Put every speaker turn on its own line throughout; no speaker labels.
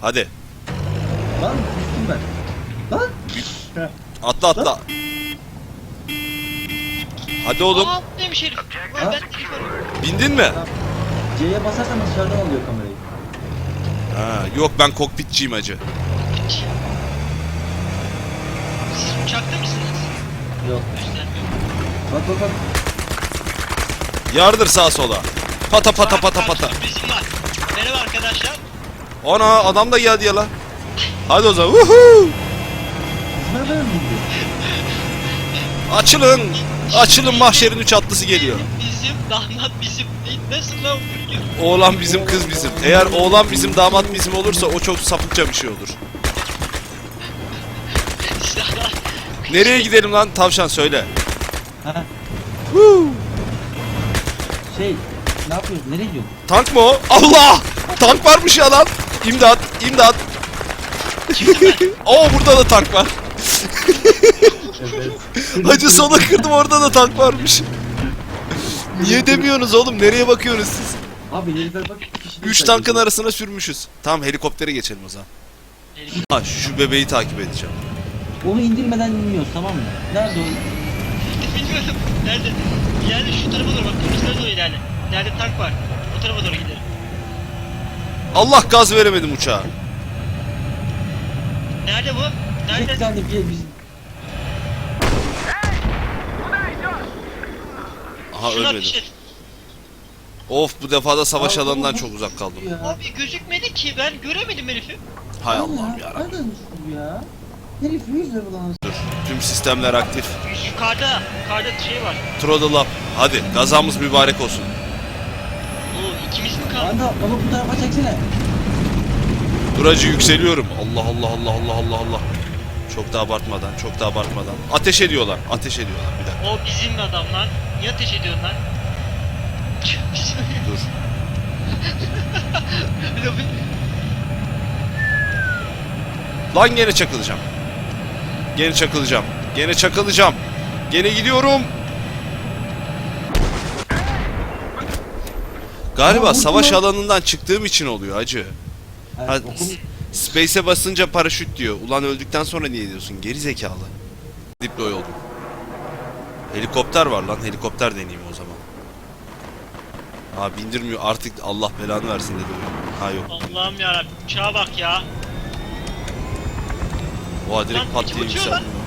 Hadi.
Lan düştüm ben. Lan.
Atla atla. Hadi oğlum.
Aa neymiş herif? Ulan ben herif arıyorum.
Bindin mi?
C'ye basarsan dışarıdan alıyor kamerayı.
Ha, yok ben kokpitçiyim hacı.
Siz uçakta mısınız?
Yok.
Göstermiyor.
Bak bak bak.
Yardır sağa sola. Pata pata pata pata.
Sürprizim var. Merhaba arkadaşlar.
Ana adam da geldi ya la. Hadi o zaman. Woohoo!
Nereden bildin?
Açılın. Açılın, mahşerin 3 atlısı geliyor.
Bizim, damat bizim. Nasıl lan bu?
Oğlan bizim, kız bizim. Eğer oğlan bizim, damat bizim olursa o çok sapıkça bir şey olur. Nereye gidelim lan tavşan, söyle.
Ha. Ne yapıyorsun? Nereye gidiyorsun?
Tank mı o? Allah! Tank varmış ya lan. İmdat, imdat. Oo, burada da tank var.
Evet.
Hacı sola kırdım, orada da tank varmış. Niye demiyorsunuz oğlum? Nereye bakıyorsunuz siz?
Abi herifler bak.
3 tankın arasına sürmüşüz. Tamam, helikoptere geçelim o zaman. Ha, şu bebeği takip edeceğim.
Onu indirmeden inmiyoruz, tamam mı? Nerede o?
Bilmiyorum. Nerede? İleride şu tarafa doğru bak. Kırmızılara doğru ilerle. İleride tank var. O tarafa doğru gidelim.
Allah, gaz veremedim uçağa.
Nerede bu?
Bir
Nerede?
tane biz...
Aha,
Şuna
ölmedim.
ateş et.
Of, bu defa da savaş
Abi,
alanından
bu-
çok uzak kaldım.
Ya.
Abi gözükmedi ki. Ben göremedim herifi.
Hay Allah'ım yarabbim.
Nereden düştü ya? Herif 100 lira lan.
Dur. Tüm sistemler aktif.
Yukarıda. Yukarıda şey var.
Throttle up. Hadi, gazamız mübarek olsun.
Oo ikimiz mi kaldı?
Kanka onu bu tarafa çeksene.
Duracı yükseliyorum. Allah Allah Allah Allah Allah Allah. Çok da abartmadan, çok da abartmadan. Ateş ediyorlar, ateş ediyorlar. Bir dakika,
O bizim adamlar. Niye ateş ediyorsun lan?
dur. Lan gene çakılacağım. Gene çakılacağım. Gene çakılacağım. Gene gidiyorum. Galiba
Aa,
savaş
vurdu lan.
alanından çıktığım için oluyor hacı.
Evet,
Ha,
okul...
Space'e basınca paraşüt diyor. Ulan öldükten sonra niye diyorsun? Geri zekalı. Deploy oldum. Helikopter var lan. Helikopter deneyeyim o zaman. Ha, bindirmiyor artık, Allah belanı versin dedi oyun. Ha, yok.
Allah'ım yarabbim. Uçağa bak ya.
Oha, direkt
Lan,
pat
içim
diye
uçuyor
yükseldi.
lan.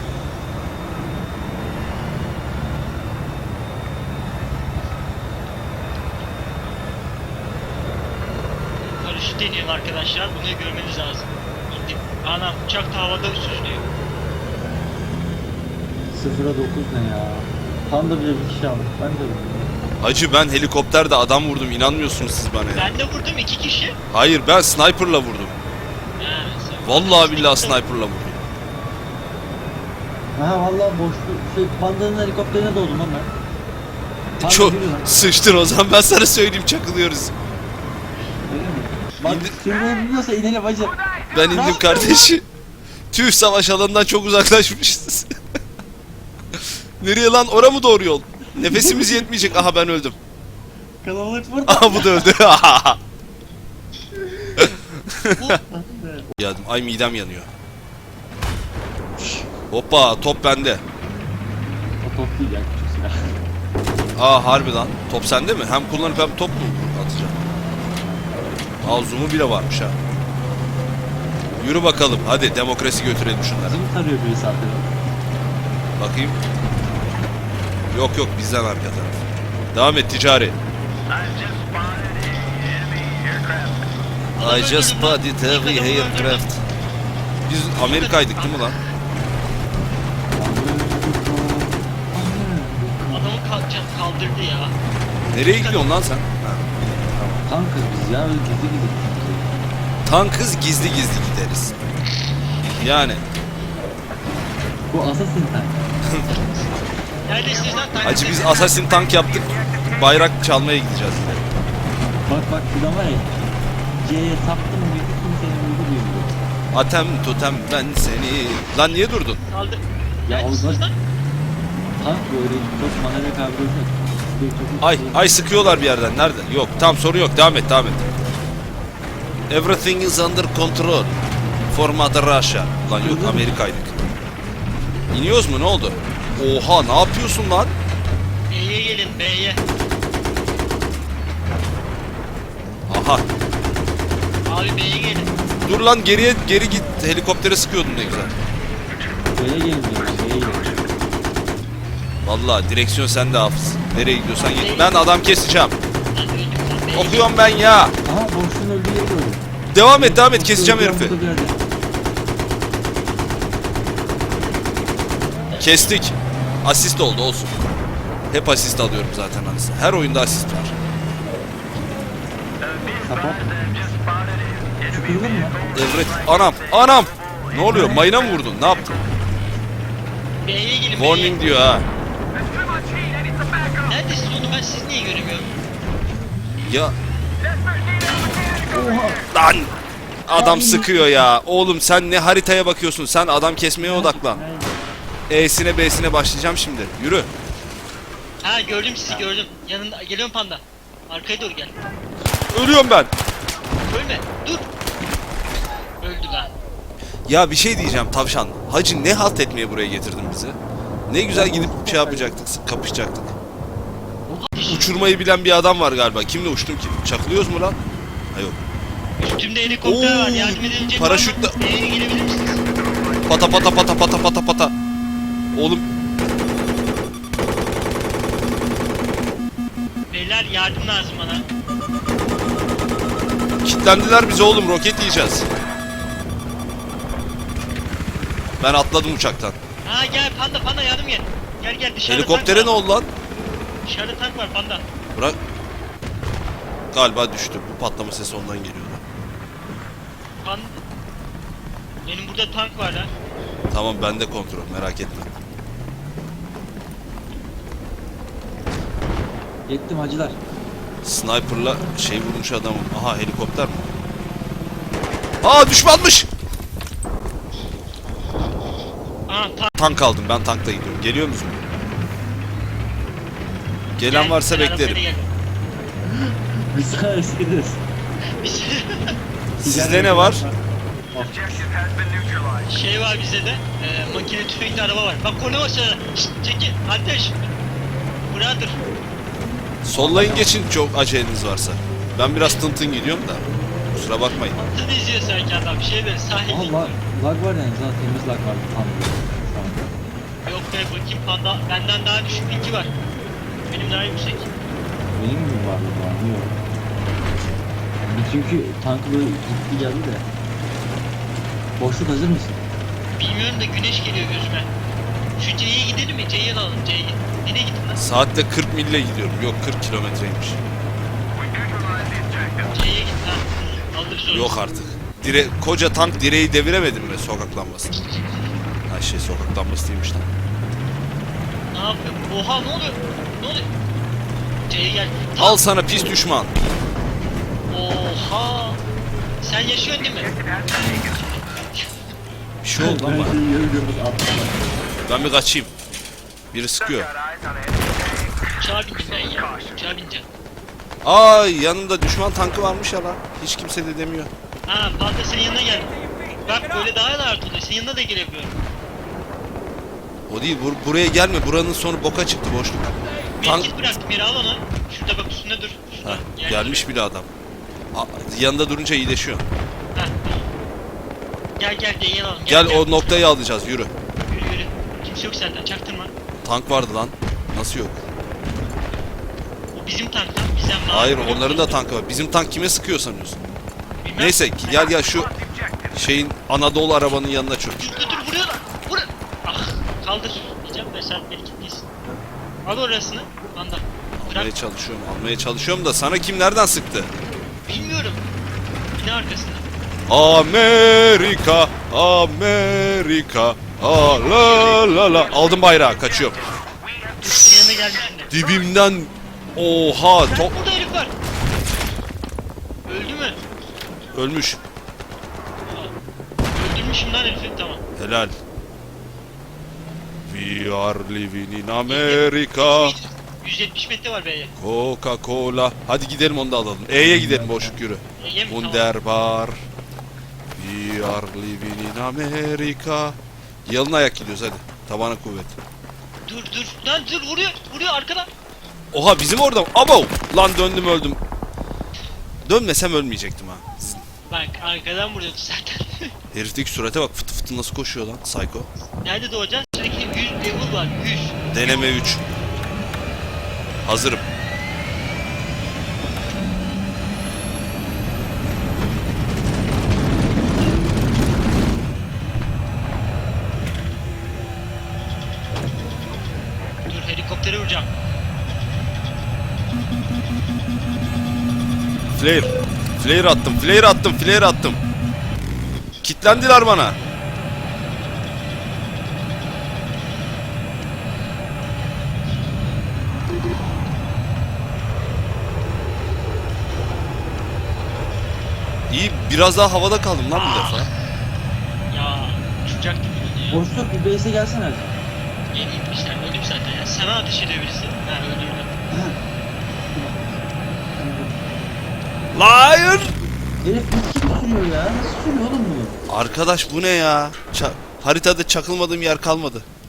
Paraşüt deniyor arkadaşlar. Bunu görmeniz lazım. İndim. Anam uçak da havada süzülüyor.
0'a 9 ne ya? Tam da bile bir kişi aldık. Ben de bilmiyorum.
Hacı, ben helikopterde adam vurdum, inanmıyorsunuz siz bana ya.
Ben de vurdum 2 kişi.
Hayır, ben sniper'la vurdum.
Ha,
Vallahi billahi sniper'la vurdum.
Aha vallahi boşlu. Pandanın helikopterine doğdum lan ben. Panda
Çok
yürü lan.
sıçtın o zaman, ben sana söyleyeyim, çakılıyoruz.
Öyle mi? Bak sürmeyi biliyorsa inelim hacı.
Ben indim kardeşi. Tüh, savaş alanından çok uzaklaşmışız. Nereye lan? Ora mı doğru yol? Nefesimiz yetmeyecek. Aha, ben öldüm.
Kalabalık burada.
Aha, bu da öldü. Geldim. Ay, midem yanıyor. Hoppa, top bende.
O top değil ya, küçük silah.
Aa, harbi lan. Top sende mi? Hem kullanıp hem top mu atacağım? Aa, zoom'u bile varmış ha. Yürü bakalım. Hadi demokrasi götürelim şunları.
Bizim tarıyor birisi arkada.
Bakayım. Yok yok, bizden arka taraf. Devam et ticari. I just spotted heavy aircraft. Biz Amerika'ydık değil mi lan?
Adamı kaldırdı ya.
Nereye gidiyorsun lan sen? Ha.
Tankız biz ya, öyle gizli gizli.
Tankız, gizli gizli gideriz. Yani.
Bu Assassin tank.
Neredesiniz lan?
Hacı, biz Assassin tank yaptık. Bayrak çalmaya gideceğiz yine.
Bak şuradan var ya. C'ye saptım mıydı kimsenin uygu duymuyor.
Atem totem ben seni. Lan niye durdun?
Kaldır.
Ya
Neredesiniz
o
lan?
tank böyle çok manevra kabiliyeti yok. Çok-
Ay sıkıyorlar bir yerden. Nerede? Yok, tam sorun yok. Devam et, devam et. Everything is under control. For Mother Russia. Lan yok, Amerika'ydık. İniyoruz mu, ne oldu? Oha, ne yapıyorsun lan?
B'ye gelin B'ye.
Aha.
Abi B'ye gelin.
Dur lan, geri git. Helikoptere sıkıyordun ne güzel.
B'ye gelin diyoruz. B'ye gelin.
Vallahi direksiyon sende Hafız. Nereye gidiyorsan git. Ben adam keseceğim.
Lan öldüm lan B'ye.
Okuyorum ben ya.
Aha boşluğun öldüğü yeri gördüm.
Devam et, keseceğim
Boşluğun
herifi.
burada bir yerde.
Kestik. Asist oldu, olsun. Hep asist alıyorum zaten anasını. Her oyunda asist var.
Kapat. Sıkıldın mı?
Evet. Anam. Ne oluyor? Mayına mı vurdun? Ne yaptın?
B'ye gelin
Warning diyor ha.
Neredesiniz oğlum, ben sizi niye göremiyorum?
Ya. Lan. Adam sıkıyor ya. Oğlum sen ne haritaya bakıyorsun? Sen adam kesmeye odaklan. E'sine B'sine başlayacağım şimdi. Yürü.
Ha gördüm sizi, gördüm. Yanında geliyorum panda. Arkaya doğru gel.
Ölüyorum ben.
Ölme dur. Öldü lan.
Ya bir şey diyeceğim tavşan. Hacı ne halt etmeye buraya getirdin bizi? Ne güzel gidip şey yapacaktık, kapışacaktık. Uçurmayı bilen bir adam var galiba. Kimle uçtum ki? Çakılıyoruz mu lan? Ha yok.
Üstümde helikopter var,
Oo,
yardım edebilecek
paraşütle-
var mı? B'ye gelebilir misiniz?
Pata. Oğlum
Beyler yardım lazım bana.
kilitlendiler bize oğlum, roket yiyeceğiz. Ben atladım uçaktan.
Ha gel panda yardım gel. Gel dışarıda
Helikoptere
tank
ne
var.
oldu lan?
Dışarıda tank var panda.
Bırak. Galiba düştü. Bu patlama sesi ondan geliyordu.
Panda. Benim burada tank var lan.
Tamam, bende kontrol, merak etme.
Yettim hacılar.
Sniper'la şey vurmuş adamım. Aha, helikopter mi? Aa, düşmanmış.
Aha tank.
Tank aldım, ben tankta gidiyorum. Geliyor musun? Gelen
Gel,
varsa
sen arabayla
beklerim.
gel.
Biz sana eskidiriz.
Biz-
Sizde ne var?
Şey var bizde de. Makine tüfekli araba var. Bak konu var sana. Şşt çekil. Ateş. Brother.
Sollayın geçin çok aceleniz varsa. Ben biraz tın gidiyorum da. Kusura bakmayın.
Atını izliyor sanki adam. Bir şey böyle sahil.
Aha lag var yani zaten temiz lag var. Tam şu an.
Yok be bakayım panda. Benden daha düşük linki var. Benim daha yüksek.
Benim mi var bu? Yok. Çünkü tanklı gitti geldi de. Boşluk hazır mısın?
Bilmiyorum da güneş geliyor gözüme. Şu C'ye gidelim mi? C'ye alalım C'ye. Nereye gittin lan?
Saatte 40 mille gidiyorum. Yok, 40 kilometreymiş.
C'ye git lan. Alırız onu.
Yok artık. Koca tank direği deviremedin mi sokak lambası? Ha şey, sokak lambası değilmiş lan.
Ne yapıyor? Oha ne oluyor? Ne oluyor? C'ye gel.
Al sana pis düşman.
Oha. Sen yaşıyorsun değil mi?
Bir şey oldu ama.
Yürüdüğümüz atlar.
Ben bir kaçayım. Biri sıkıyor.
Uçağa bindim ben ya. Uçağa bineceğim.
Ay, yanında düşman tankı varmış ya lan. Hiç kimse de demiyor.
Ha panda senin yanına geldim. Bak böyle daha rahat oluyor. Senin yanına da gelebiliyorum.
O değil, buraya gelme. Buranın sonu boka çıktı, boşluk. Tank...
Medkit bıraktım yere al onu. Şurada bak üstünde dur. Şurada.
Ha,
Gel.
gelmiş bile adam. Yanında durunca iyileşiyor.
Ha. Gel D'yi alalım.
Gel o noktayı alacağız, yürü.
Yürü. Kimse yok senden çaktırma.
Tank vardı lan. Nasıl yok?
O bizim tank lan. Bizden mavi.
Hayır, onların da tankı var. Bizim tank kime sıkıyor sanıyorsun?
Bilmem.
Neyse, gel şu şeyin Anadolu arabanın yanına çök.
Dur vuruyorlar. Vur. Ah kaldır. Diyeceğim de sen medkitlisin. Al orasını. Panda. Bırak.
Almaya çalışıyorum da sana kim nereden sıktı?
Bilmiyorum. Bina arkasında.
Amerika, la la. Aldım bayrağı, kaçıyorum.
Senin yanına gelmişsin de.
Dibimden, oha,
Bak burada herif var. Öldü mü?
ölmüş.
Öldürmüşüm lan herifi. Tamam.
Helal. We are living in America.
170 metre var B'ye.
Coca-Cola. Hadi gidelim, onu da alalım. E'ye gidelim, boşluk yürü.
Yem tamam.
Wunderbar. We are living in America. Yalın ayak gidiyoruz hadi. Tabana kuvvet.
Dur. Lan dur vuruyor arkadan.
Oha bizim orada mı? Abo! Lan döndüm öldüm. Dönmesem ölmeyecektim ha.
Bak arkadan vuruyordu zaten.
Herifteki surate bak, fıtı fıtı nasıl koşuyor lan psycho.
Nerede doğacaksın? Sürekli 100 level var 100.
Deneme 3. Hazırım.
Dur helikoptere vuracağım.
Flare attım. Kitlendiler bana. İyi, biraz daha havada kaldım lan bu defa.
Ya uçacak gibi ya.
Boşluk bir base'e gelsene.
Yeni gitmişler öldüm zaten ya. Sana ateş ediyor birisi. Ha öldürdüm.
Liar!
Herif bir kim sürüyor ya? Nasıl sürüyor oğlum bu?
Arkadaş bu ne ya? Haritada çakılmadığım yer kalmadı.